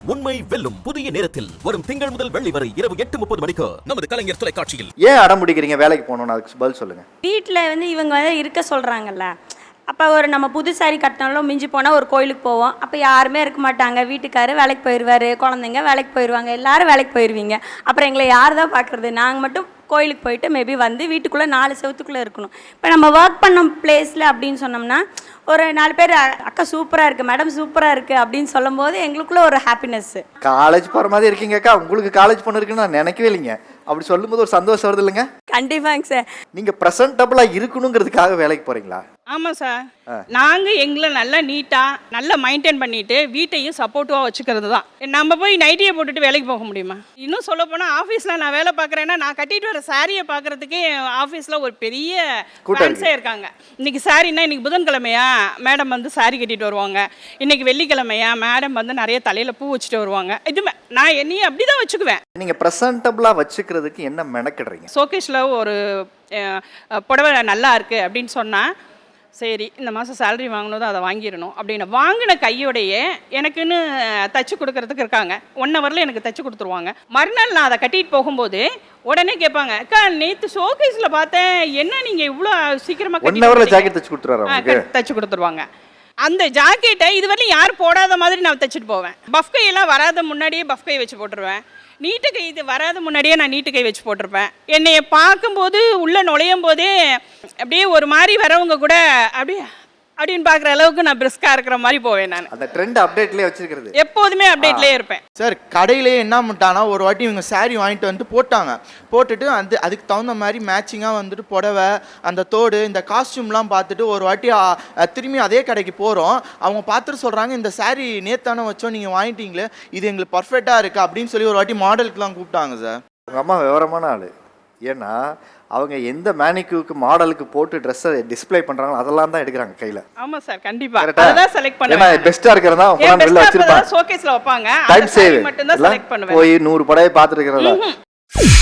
உண்மை வெல்லும் புதிய நேரத்தில் வரும் திங்கள் முதல் வெள்ளி வரை இரவு 8:30 மணிக்கு நமது கலைஞர் தொலைக்காட்சியில். ஏன் அடம் பிடிக்கிறீங்க வேலைக்கு போகணும்னு? அதுக்கு பதில் சொல்லுங்க. வீட்டில் இவங்க இருக்க சொல்கிறாங்கல்ல, அப்போ ஒரு நம்ம புது சாரி கட்டினாலும் மிஞ்சி போனால் ஒரு கோயிலுக்கு போவோம். அப்போ யாருமே இருக்க மாட்டாங்க. வீட்டுக்காரு வேலைக்கு போயிடுவார், குழந்தைங்க வேலைக்கு போயிடுவாங்க, எல்லாரும் வேலைக்கு போயிடுவீங்க. அப்புறம் எங்களை யார் தான் பார்க்குறது? நாங்கள் மட்டும் கோயிலுக்கு போயிட்டு மேபி வீட்டுக்குள்ளே 4 செவத்துக்குள்ளே இருக்கணும். இப்போ நம்ம ஒர்க் பண்ண பிளேஸில் அப்படின்னு சொன்னோம்னா ஒரு 4 பேர் அக்கா சூப்பராக இருக்குது, மேடம் சூப்பராக இருக்குது அப்படின்னு சொல்லும் போது எங்களுக்குள்ள ஒரு ஹாப்பினஸ்ஸு. காலேஜ் போகிற மாதிரி இருக்கீங்க அக்கா, உங்களுக்கு காலேஜ் பொண்ணு இருக்குன்னு நான் நினைக்கவே இல்லைங்க. அப்படி சொல்லும்போது ஒரு சந்தோஷம் வருது இல்லைங்க? கண்டிப்பாங்க சார். நீங்கள் ப்ரெசன்டபுளாக இருக்கணுங்கிறதுக்காக வேலைக்கு போகிறீங்களா? ஆமாம் சார். நாங்கள் எங்களை நல்லா நீட்டாக நல்லா மெயின்டைன் பண்ணிட்டு வீட்டையும் சப்போர்ட்டிவாக வச்சுக்கிறது தான். நம்ம போய் நைட்டியை போட்டுட்டு வேலைக்கு போக முடியுமா? இன்னும் சொல்ல போனால் ஆஃபீஸில் நான் வேலை பார்க்குறேன்னா நான் கட்டிட்டு வர சாரியை பார்க்குறதுக்கே ஆஃபீஸில் ஒரு பெரிய ஃபேன்ஸே இருக்காங்க. இன்னைக்கு சாரின்னா இன்னைக்கு புதன்கிழமையா மேடம் சாரி கட்டிட்டு வருவாங்க, இன்னைக்கு வெள்ளிக்கிழமையா மேடம் நிறைய தலையில் பூ வச்சுட்டு வருவாங்க. இதுமே நான் என்னையும் அப்படி தான் வச்சுக்குவேன். நீங்கள் ப்ரெசன்டபுளாக வச்சுக்கிறதுக்கு என்ன மெனக்கிடுறீங்க? ஷோகேஷில் ஒரு புடவை நல்லா இருக்குது அப்படின்னு சொன்னால் சரி இந்த மாதம் சேலரி வாங்கினதும் அதை வாங்கிடணும் அப்படின்னு வாங்கின கையோடையே எனக்குன்னு தைச்சி கொடுக்கறதுக்கு இருக்காங்க. 1 ஹவரில் எனக்கு தைச்சி கொடுத்துருவாங்க. மறுநாள் நான் அதை கட்டிட்டு போகும்போது உடனே கேட்பாங்க, அக்கா நேற்று ஷோகேஸில் பார்த்தேன், என்ன நீங்கள் இவ்வளோ சீக்கிரமாக 1 ஹவரில் ஜாக்கெட் தைச்சி கொடுத்துருவாங்க. தைச்சி கொடுத்துருவாங்க. அந்த ஜாக்கெட்டை இதுவரையும் யாரும் போடாத மாதிரி நான் தைச்சிட்டு போவேன். பஃப் கையெல்லாம் வராத முன்னாடியே பஃப் கை வச்சு போட்டுருவேன். நீட்டு கை இது வராத முன்னாடியே நான் நீட்டு கை வச்சு போட்டிருப்பேன். என்னைய பார்க்கும்போது உள்ளே நுழையும் போதே அப்படியே ஒரு மாதிரி வரவங்க கூட அப்படின்னு பார்க்குற அளவுக்கு நான் பிரிஸ்காக இருக்கிற மாதிரி போவேன். நான் அந்த ட்ரெண்ட் அப்டேட்லேயே வச்சிருக்கிறது, எப்போதுமே அப்டேட்லேயே இருப்பேன். சார் கடையிலே என்ன பண்ணிட்டானா ஒரு வாட்டி இவங்க சாரீ வாங்கிட்டு வந்துட்டு போட்டாங்க. போட்டுட்டு அதுக்கு தகுந்த மாதிரி மேட்சிங்காக புடவை அந்த தோடு இந்த காஸ்டியூம்லாம் பார்த்துட்டு ஒரு வாட்டி திரும்பி அதே கடைக்கு போகிறோம். அவங்க பார்த்துட்டு சொல்கிறாங்க, இந்த சாரீ நேத்தானே வச்சோம், நீங்கள் வாங்கிட்டீங்களே, இது எங்களுக்கு பர்ஃபெக்டாக இருக்குது அப்படின்னு சொல்லி ஒரு வாட்டி மாடலுக்குலாம் கூப்பிட்டாங்க சார். உங்கள் அம்மா விவரமான ஆள். ஏன்னா அவங்க எந்த மேனிக்யூக்கு மாடலுக்கு போட்டு ட்ரெஸ்ஸை டிஸ்ப்ளே பண்றாங்களோ அதெல்லாம் தான் எடுக்கிறாங்க கையில. ஆமா சார், கண்டிப்பா அதான் செலக்ட் பண்ணுவேன். ஏன்னா பெஸ்டா இருக்கறதா உங்க வெளில வச்சிருப்பாங்க, ஷோகேஸ்ல வைப்பாங்க. டைம் சேவ் மட்டும் தான் செலக்ட் பண்ணுவேன். போய் 100 படையை பார்த்துட்டு இருக்கறதா.